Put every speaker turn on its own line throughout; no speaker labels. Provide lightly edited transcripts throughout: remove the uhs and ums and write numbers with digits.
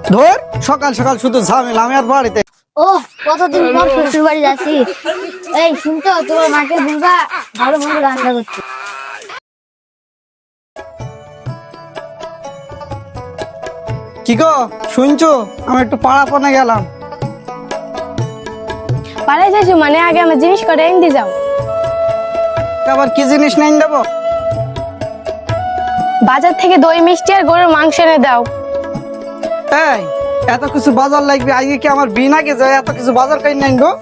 ধর সকাল সকাল শুধু ঝামেলা আমি আর বাড়িতে।
ও কতদিন পর শ্বশুর বাড়ি যাচ্ছি। এই শুনতো তোমার মাকে বলবা ভালো মন্দ রান্না করছে।
কি গো শুনছো, আমি একটু পাড়াপনে গেলাম।
পালাই যাইছো মানে আগে আমার জিনিস করে এনে যাও।
আবার কি জিনিস নেই দেবো?
বাজার থেকে দই মিষ্টি আর গরুর মাংস এনে দাও।
এই এত কিছু বাজার লাগবে আজকে কি আমার বিয়ে নাকি যায় এত কিছু বাজার কাই নাই গো?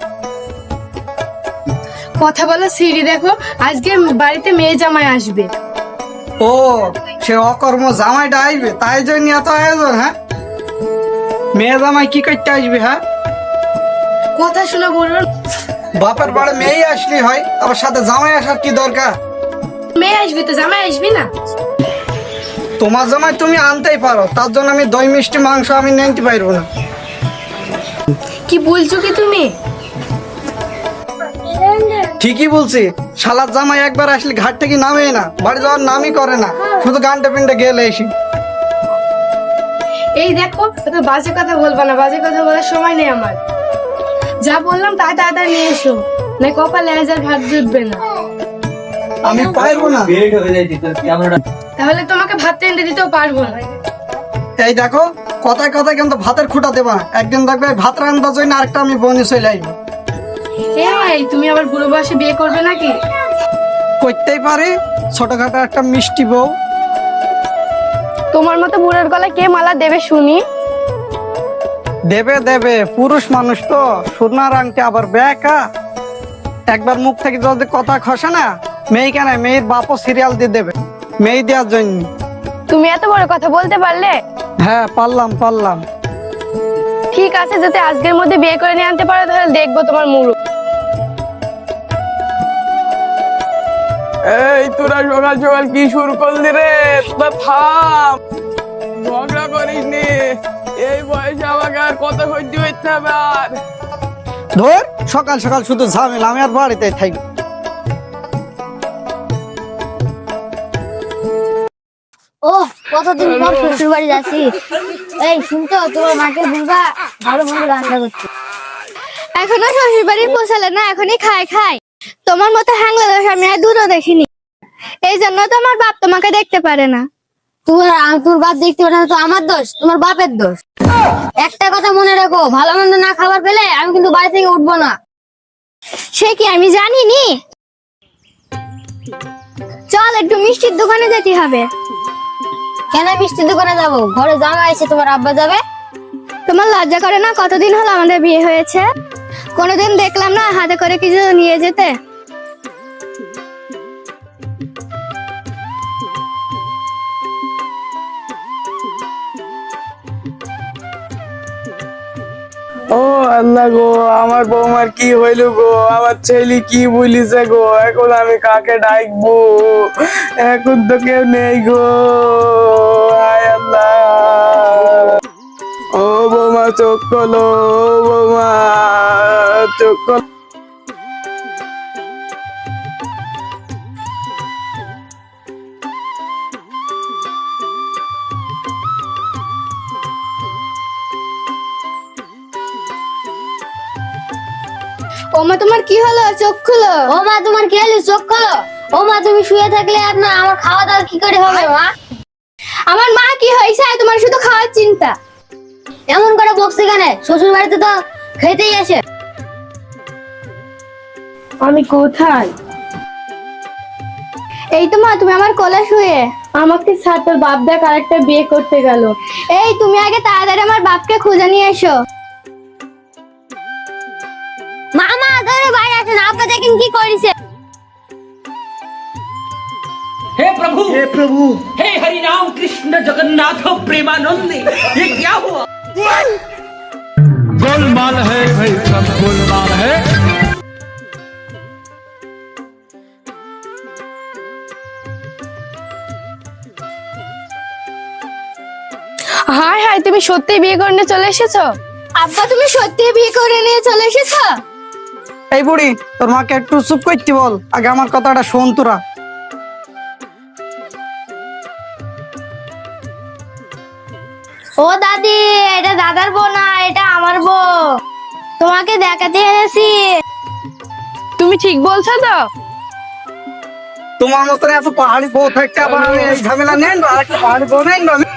কথা বলো সিঁড়ি দেখো, আজকে বাড়িতে মেয়ে জামাই আসবে।
ও সে অকর্ম জামাইটা আসবে তাই জন্য এত আয়োজন? হ্যাঁ মেয়ে জামাই কি করতে আসবে? হ্যাঁ
কথা শুনে বলুন,
বাপের বাড়ি মেয়ে আসলি হয়, আবার সাথে জামাই আসার কি দরকার?
মেয়ে আসবে তো জামাই আসবি না?
তোমার জামাই তুমি আনতেই পারো, তার জন্য আমি দই মিষ্টি মাংস আমি নিতে পারবো না।
কি বলছো কি তুমি?
ঠিকই বলছি, শালার জামাই একবার আসলে ঘাট থেকে নামে না, বাড়ি যাওয়ার নামই করে না, শুধু গানটা পিনটা গেলে এসি।
এই দেখো তো বাজে কথা বলবা না, বাজে কথা বলার সময় নেই আমার। যা বললাম তাই তাড়াতাড়ি নিয়ে এসো, না কপালে আজ আর ভাত জুটবে না।
আমি পারবো না।
তাহলে তোমাকে ভাত এনে দিতেও পারবো না।
এই দেখো কথায় কথায় কিন্তু ভাতের খুঁটা দেবা, একদিন দেখবে ভাত রান্নার জন্য আরেকটা আমি বনি চলে আইবো।
এই তুমি আবার বুড়ো বয়সে বিয়ে করবে নাকি?
করতেই পারে, ছোটখাটো একটা মিষ্টি বউ।
তোমার মতো বুড়োর গলায় কে মালা দেবে শুনি?
দেবে দেবে, পুরুষ মানুষ তো, সোনার আংটি আবার বেকা। একবার মুখ থেকে যদি কথা খসে না, মেয়ে কেন মেয়ের বাপও সিরিয়াল দিয়ে দেবে মেয়ে দেওয়ার জন্য।
তুমি এত বড় কথা বলতে পারলে?
হ্যাঁ পারলাম।
ঠিক আছে, যদি আজকের মধ্যে বিয়ে করে নিয়ে আনতে পারো তাহলে দেখবো তোমার মুরু।
এই তোরা সকাল সকাল কি শুরু করলি রে? তোরা থাম, ঝগড়া করিস নি। এই বয়সে আমাকে আর কত সহ্য হইতে হবে? আর
ধর সকাল সকাল শুধু ঝামেলা আমি আর বাড়িতে থাকি।
ও কতদিন পর শ্বশুর বাড়ি যাচ্ছি। এই শুনতো তোমার মাকে বলবা ভালো মন্দ রান্না করছে। এখনো শ্বশুর বাড়ি পৌঁছালে না, এখনই খাই। তোমার মতো হ্যাংলা দোষ আমি আর দূরও দেখিনি, এই জন্য তো আমার বাপ তোমাকে দেখতে পারে না। তোর বাপ দেখতে পারে না তো আমার দোষ? তোমার বাপের দোষ। একটা কথা মনে রাখো, ভালো মন্দ না খাবার পেলে আমি কিন্তু বাড়ি থেকে উঠবো না। সে কি আমি জানিনি? চল একটু মিষ্টির দোকানে যেতে হবে। কেন মিষ্টির দোকানে যাবো? ঘরে জামাই এসে তোমার আব্বা যাবে। তোমার লজ্জা করে না? কতদিন হলো আমাদের বিয়ে হয়েছে, কোনোদিন দেখলাম না হাতে করে কিছু নিয়ে যেতে।
ও আল্লাহ গো, আমার বৌমার কি হইল গো? আমার ছেলে কি বলিছে গো? এখন আমি কাকে ডাকবো? এখন তো কেউ নেই গো। হায় আল্লাহ, ও বৌমা চোখ খোলো, ও বৌমা চোখ খোলো।
ও মা তোমার কি হলো? চোখ খুলো। ও মা তোমার কি হলো? চোখ খুলো। ও মা তুমি শুয়ে থাকলে আপনার আমার খাওয়া দাওয়া কি করে হবে? মা আমার মা কি হয়েছে? তোমার শুধু খাওয়ার চিন্তা। এমন করে বকছে কেন? শ্বশুর বাড়িতে তো খেতেই আসে।
আমি কোথায়?
এই তো মা তুমি আমার কোলে শুয়ে।
আমাকে ছাড়, তোর বাপ দেখ আরেকটা বিয়ে করতে গেল।
এই তুমি আগে তাড়াতাড়ি আমার বাপকে খুঁজে নিয়ে এসো। মামা ধরে বাইরে আসেন, আপা দেখেন কি করেছে।
हे प्रभु हे हरि राम कृष्ण जगन्नाथ प्रेमानंद, ये क्या हुआ?
गोलमाल है भाई, सब गोलमाल है।
হায় হায়, তুমি সত্যি বিয়ে করে নিয়ে চলে এসেছো?
আব্বা তুমি সত্যি বিয়ে করে নিয়ে চলে এসেছো?
এই বুড়ি তোর মাকে একটু চুপ করতে বল, আগে আমার কথাটা শোন তোরা।
ও দাদি, এটা দাদার বউ না, এটা আমার বউ। তোমাকে দেখাতে এনেছি।
তুমি ঠিক বলছো তো?
তোমার মতন এত পাহাড়ি বউ থাকতে আবার আমি এই ঝামেলা নেন, আর একটা পাহাড়ি বউ নেন।